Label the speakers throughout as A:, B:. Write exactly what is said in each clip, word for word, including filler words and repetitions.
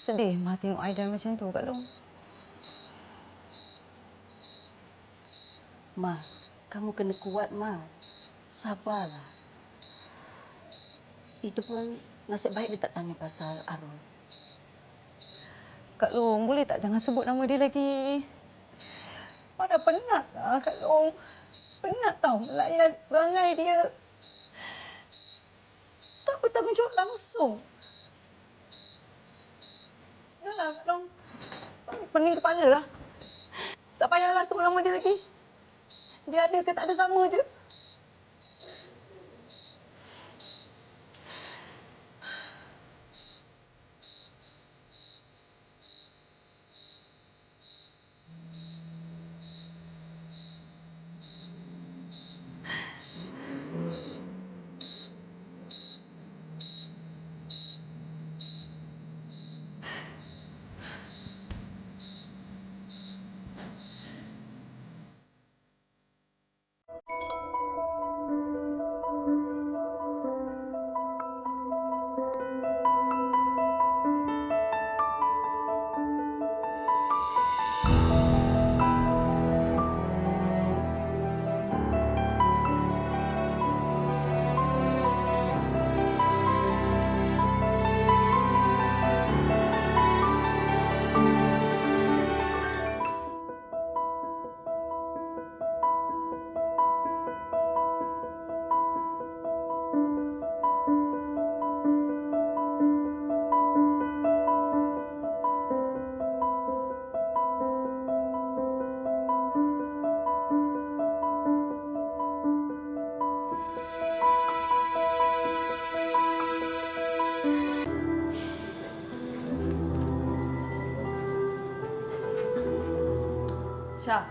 A: Sedih Ma tengok Aidan macam tu, Kak Long.
B: Ma, kamu kena kuat, Ma. Sabarlah. Itu pun nasib baik dia tak tanya pasal Arul.
A: Kak Long, boleh tak jangan sebut nama dia lagi? Ma dah penat lah, Kak Long. Penat tau melayan perangai dia. Tak bertanggungjawab langsung. Dahlah, Kak Long. Pening kepala lah. Tak payahlah sebut nama dia lagi. Dia ada ke tak ada sama je.
C: Syah.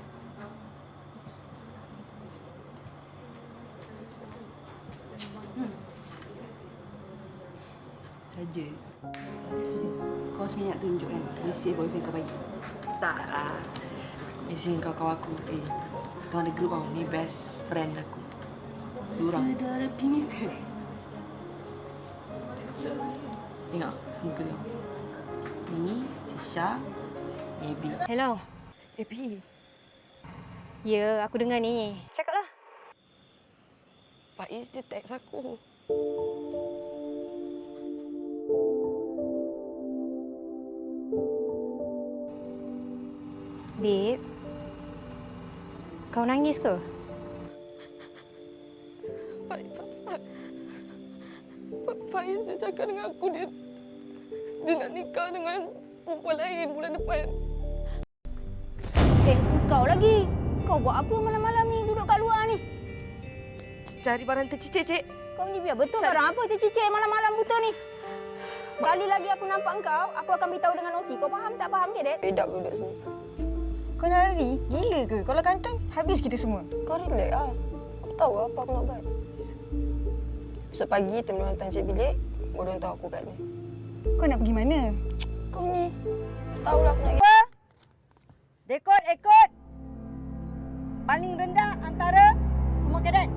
C: Hmm. Saja.
B: Kau sebenarnya nak tunjuk kan isi boyfriend kau bagi?
C: Tak lah. Mesti kau kawan aku. Eh, kau ada grup tau. Ni best friend aku. Dua orang.
B: Ada ada pimitan.
C: Tengok muka dia. Ni Tisha, Abby.
D: Hello.
C: Abby.
D: Ya, aku dengar ni. Cakaplah.
C: Faiz dia text aku.
D: Babe. Kau nangis ke?
C: Faiz, Faiz. Faiz dia cakap dengan aku dia dia nak nikah dengan perempuan lain bulan depan.
D: Eh, kau lagi. Kau buat apa malam-malam ni duduk kat luar ni?
C: Cari barang tercicir, Cik.
D: Kau ni biar betul
C: Cari.
D: barang apa tercicir malam-malam buta ni? Sekali lagi aku nampak kau, aku akan beritahu dengan Osi. Kau faham tak faham ke, Dad?
C: Bedap duduk sini.
E: Kau nak lari? Gila ke? Kalau kantong, habis kita semua.
C: Kau relax lah. Aku tahu apa aku nak buat. Besok pagi time dia hantar Cik bilik, baru tahu aku kat ni.
E: Kau nak pergi mana?
C: Kau ni, aku tahulah aku nak pergi.
E: Rekod, rekod. Paling rendah antara semua kadet.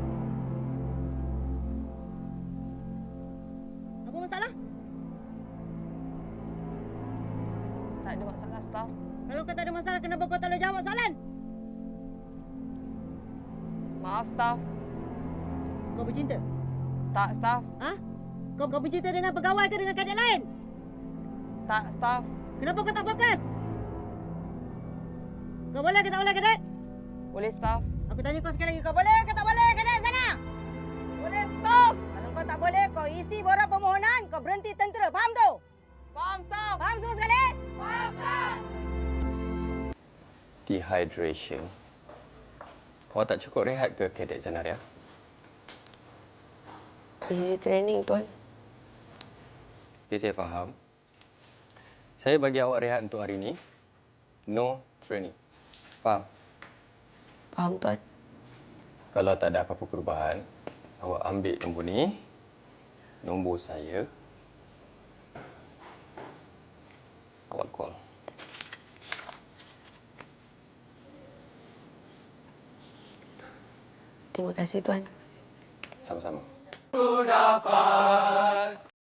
E: Apa masalah?
C: Tak ada masalah, staff.
E: Kalau kau tak ada masalah, kenapa kau tak boleh jawab soalan?
C: Maaf, staff.
E: Kau bercinta?
C: Tak, staff.
E: Ha? Kau, kau bercinta dengan pegawai ke dengan kadet lain?
C: Tak, staff.
E: Kenapa kau tak fokus? Kau boleh ke tak boleh, kadet?
C: Boleh, staff.
E: Aku tanya kau sekali lagi, kau boleh ke tak boleh, kadet sana?
C: Boleh, staff.
E: Kalau kau tak boleh, kau isi borang permohonan, kau berhenti tentera. Faham tu?
C: Faham, staff.
E: Faham semua sekali?
C: Faham, staff.
F: Dehydration. Awak tak cukup rehat ke, Kadet Zanaria?
C: Easy training, Tuan.
F: Okay, saya faham. Saya bagi awak rehat untuk hari ini. No training. Faham?
C: Faham, Tuan.
F: Kalau tak ada apa-apa perubahan, awak ambil nombor ni, nombor saya, awak call.
C: Terima kasih, Tuan.
F: Sama-sama. Ku dapat